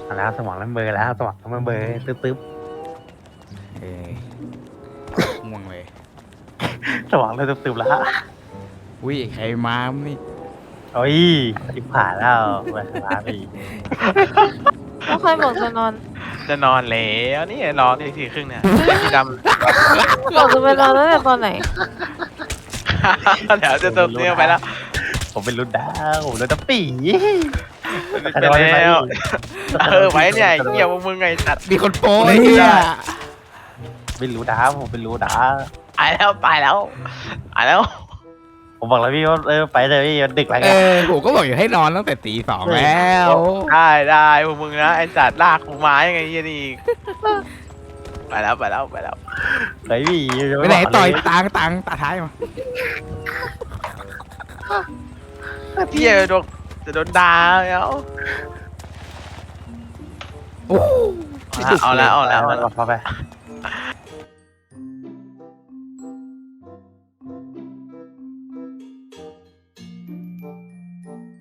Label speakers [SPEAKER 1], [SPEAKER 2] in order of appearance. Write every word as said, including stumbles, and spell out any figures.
[SPEAKER 1] เอาแล้วสมองเริ่มเบลอแล้วสมองเริ่มเบลอตึ๊บตึ๊บ
[SPEAKER 2] เอ้ยง่วงเลย
[SPEAKER 1] สมองเริ่มตึ๊บตึ๊บแล้ว
[SPEAKER 2] อุ้ยใครมานี่
[SPEAKER 1] โอ้ยจิบผ่านแล้วมาลาไปอีก
[SPEAKER 3] แล้วใครบอกจะนอน
[SPEAKER 4] จะนอนแล้วนี่รอตีสี่ครึ่งเนี่ยพี่ด
[SPEAKER 3] บอกจะไปนอนตั้งแต่ตอนไหน
[SPEAKER 4] ำ เดี๋ยวจะตบเนี่ยไปแล้ว
[SPEAKER 1] ผมเป็นรุ่นดาวผมรุ่นตะปี
[SPEAKER 4] ไปแล้วเออไว้เนี่ยเหี้ยพวกมึงไงสัตว์
[SPEAKER 2] มีคนโป้ยเนี่ย
[SPEAKER 1] เป็นรู้ดาวผมเป็นรู้ดาว
[SPEAKER 4] ตายแล้วตายแล้วตายแล้ว
[SPEAKER 1] ผมบอกแล้วพี่ว่าเออไปเลยพี่มันดึกแล้ว
[SPEAKER 2] เอ
[SPEAKER 1] ไง
[SPEAKER 2] อผมก็บอกอยู่ให้นอนตั้งแต่ตีสองแล้ว
[SPEAKER 4] ได้ได้พวกมึงนะไอสัตว์ลากกูมายังไงเหี้ยนี่ไปแล้วไปแล้วไปแล้ว
[SPEAKER 1] ไหนพี่
[SPEAKER 2] ไปไหนต่อยตังตังตาท้ายมา
[SPEAKER 4] พี่จะโดนจะโดนด่าแล้ว
[SPEAKER 2] โอ้
[SPEAKER 4] เอาแล้วเอาแล้วเอาแล้ว
[SPEAKER 1] พอไป